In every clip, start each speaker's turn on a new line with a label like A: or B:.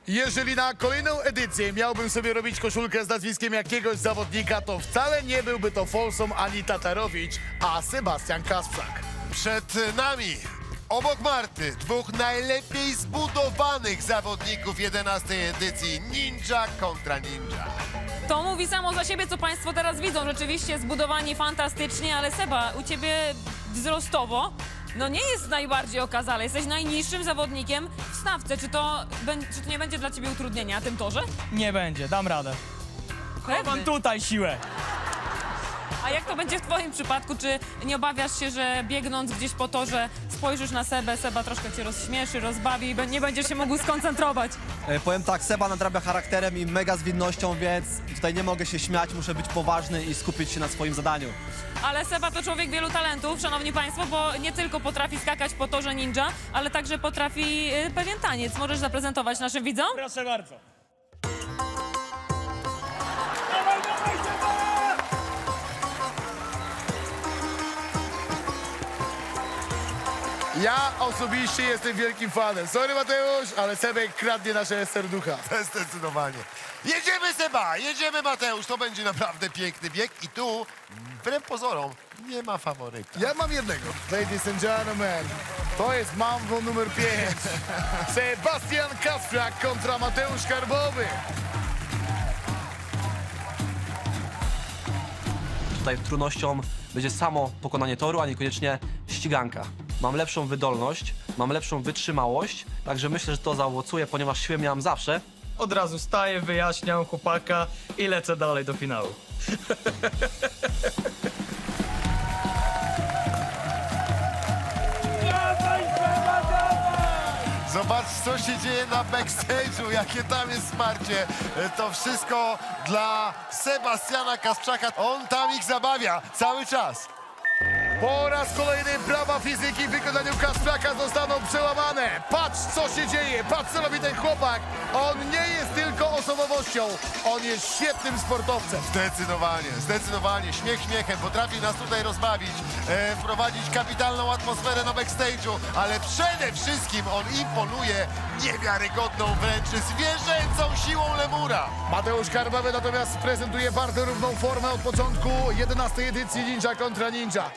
A: Jeżeli na kolejną edycję miałbym sobie robić koszulkę z nazwiskiem jakiegoś zawodnika, to wcale nie byłby to Folsom ani Tatarowicz, a Sebastian Kasprzak.
B: Przed nami, obok Marty, dwóch najlepiej zbudowanych zawodników 11. edycji Ninja kontra Ninja.
C: To mówi samo za siebie, co państwo teraz widzą. Rzeczywiście zbudowani fantastycznie, ale Seba, u ciebie wzrostowo no nie jest najbardziej okazale. Jesteś najniższym zawodnikiem w stawce. Czy to nie będzie dla ciebie utrudnienia na tym torze?
D: Nie będzie, dam radę. Mam
C: Pewny.
D: tutaj siłę.
C: A jak to będzie w twoim przypadku? Czy nie obawiasz się, że biegnąc gdzieś po torze spojrzysz na Sebę, Seba troszkę cię rozśmieszy, rozbawi i nie będziesz się mógł skoncentrować?
E: Powiem tak, Seba nadrabia charakterem i mega zwinnością, więc tutaj nie mogę się śmiać, muszę być poważny i skupić się na swoim zadaniu.
C: Ale Seba to człowiek wielu talentów, szanowni państwo, bo nie tylko potrafi skakać po torze ninja, ale także potrafi pewien taniec. Możesz zaprezentować naszym widzom?
D: Proszę bardzo.
A: Ja osobiście jestem wielkim fanem. Sorry Mateusz, ale Sebek kradnie nasze serducha.
B: Zdecydowanie. Jedziemy, Seba, jedziemy, Mateusz. To będzie naprawdę piękny bieg i tu, wbrew pozorom, nie ma faworyta.
A: Ja mam jednego. Ladies and gentlemen, to jest Mambo numer 5. Sebastian Kasprzak kontra Mateusz Karbowy.
E: Tutaj trudnością będzie samo pokonanie toru, a niekoniecznie ściganka. Mam lepszą wydolność, mam lepszą wytrzymałość, także myślę, że to zaowocuje, ponieważ siłę miałem zawsze.
D: Od razu staję, wyjaśniam chłopaka i lecę dalej do finału.
B: Zobacz, co się dzieje na backstage'u, jakie tam jest wsparcie. To wszystko dla Sebastiana Kasprzaka. On tam ich zabawia cały czas.
A: Po raz kolejny prawa fizyki w wykonaniu Kasprzaka zostaną przełamane. Patrz, co się dzieje, patrz, co robi ten chłopak. On nie jest tylko osobowością, on jest świetnym sportowcem.
B: Zdecydowanie, zdecydowanie. Śmiech śmiechem. Potrafi nas tutaj rozbawić, wprowadzić kapitalną atmosferę na backstage'u, ale przede wszystkim on imponuje niewiarygodną wręcz zwierzęcą siłą lemura.
A: Mateusz Karbowy natomiast prezentuje bardzo równą formę od początku 11. edycji Ninja kontra Ninja.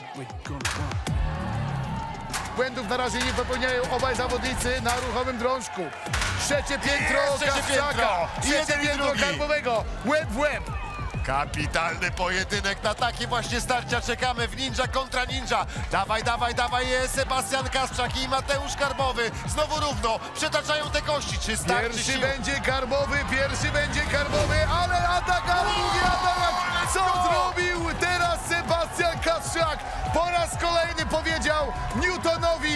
A: Błędów na razie nie popełniają obaj zawodnicy na ruchomym drążku. Trzecie piętro
B: Trzecie
A: Kasprzaka,
B: piętro.
A: trzecie
B: Jeden i
A: piętro
B: drugi.
A: Karbowego, łeb w łeb.
B: Kapitalny pojedynek, na takie właśnie starcia czekamy w Ninja kontra Ninja. Dawaj, dawaj, dawaj, Sebastian Kasprzak i Mateusz Karbowy. Znowu równo, przetaczają te kości. Czy starczy
A: Pierwszy
B: sił?
A: będzie Karbowy, ale atak, ale drugi atak! Co zrobił teraz Sebastian Kasprzak? Po raz kolejny powiedział Newtonowi.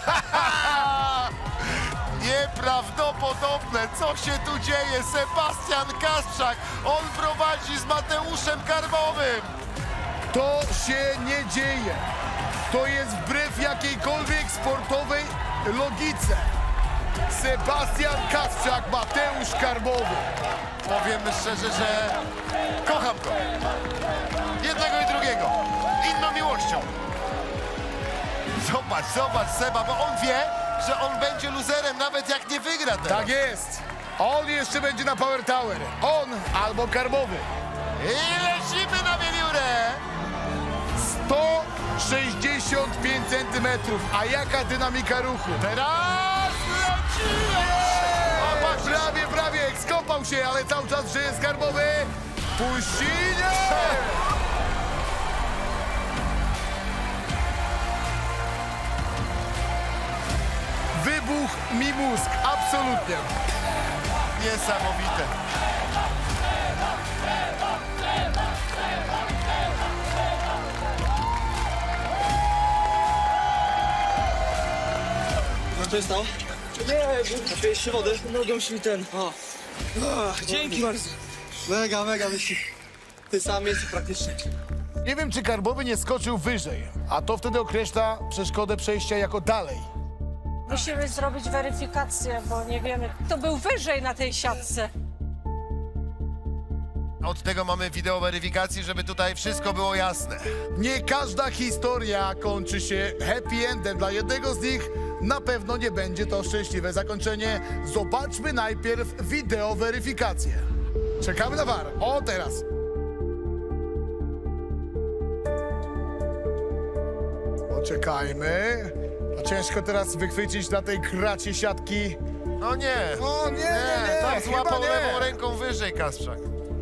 B: Nieprawdopodobne, co się tu dzieje? Sebastian Kasprzak, on prowadzi z Mateuszem Karbowym.
A: To się nie dzieje. To jest wbrew jakiejkolwiek sportowej logice. Sebastian Kasprzak, Mateusz Karbowy.
B: Powiem szczerze, że kocham go. Jednego i drugiego. Inną miłością. Zobacz, zobacz, Seba, bo on wie, że on będzie luzerem, nawet jak nie wygra teraz.
A: Tak jest. On jeszcze będzie na Power Tower. On albo Karbowy.
B: I lecimy na wiewiórę.
A: 165 centymetrów. A jaka dynamika ruchu?
B: Teraz lecimy. O, patrz,
A: Prawie, skąpał się, ale cały czas żyje Karbowy. Puścinie! Wybuch mi mózg, absolutnie.
B: niesamowite.
E: Co jest to? Nie, napijesz się wody?
F: Nogą mi ten. O.
D: Dzięki bardzo.
E: Mega wyścig. Ty sam jest praktycznie.
A: Nie wiem, czy Karbowy nie skoczył wyżej, a to wtedy określa przeszkodę przejścia jako dalej.
F: Musimy zrobić weryfikację, bo nie wiemy, kto był wyżej na tej siatce.
B: Od tego mamy wideo weryfikacji, żeby tutaj wszystko było jasne.
A: Nie każda historia kończy się happy endem. Dla jednego z nich na pewno nie będzie to szczęśliwe zakończenie. Zobaczmy najpierw wideo weryfikację. Czekamy na VAR. O, teraz. Poczekajmy. A ciężko teraz wychwycić na tej kracie siatki.
B: No nie.
A: O, nie,
B: Tam
A: chyba
B: złapał
A: nie.
B: lewą ręką wyżej Kasprzak.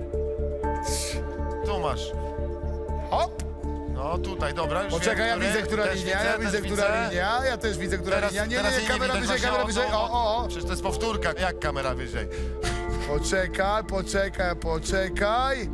B: Tu masz.
A: Hop.
B: No tutaj, dobra. Już
A: Poczekaj, ja
B: wiem,
A: widzę, która
B: też
A: linia, ja
B: też
A: widzę, która linia, ja też widzę, która
B: Teraz,
A: linia. Nie,
B: teraz
A: nie,
B: jej
A: kamera
B: widać
A: wyżej,
B: właśnie,
A: kamera wyżej. O.
B: Przecież to jest powtórka. Jak kamera wyżej?
A: Poczekaj.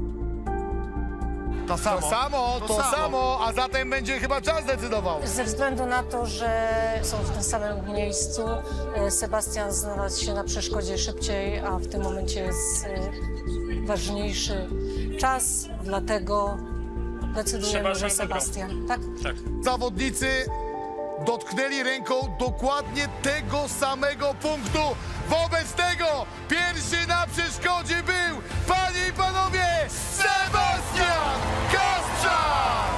B: To samo.
A: To samo, a zatem będzie chyba czas decydował.
F: Ze względu na to, że są w tym samym miejscu, Sebastian znalazł się na przeszkodzie szybciej, a w tym momencie jest ważniejszy czas, dlatego decydujemy, że Sebastian. Tak?
A: Zawodnicy dotknęli ręką dokładnie tego samego punktu. Wobec tego pierwszy na przeszkodzie był, panie i panowie, Sebastian Kasprzak!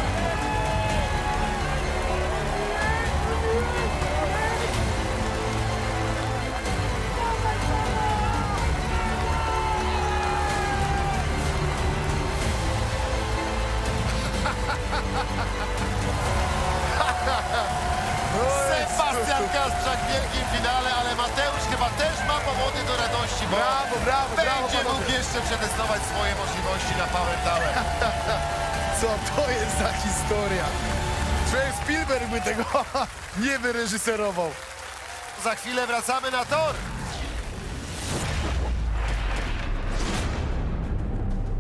B: Sebastian Kasprzak w wielkim finale, ale Mateusz chyba też ma powody do radości, bo
A: Brawo,
B: będzie
A: panowie.
B: mógł jeszcze przetestować swoje możliwości na Power Tower.
A: Co to jest za historia? Człowiek Spielberg by tego nie wyreżyserował.
B: Za chwilę wracamy na tor.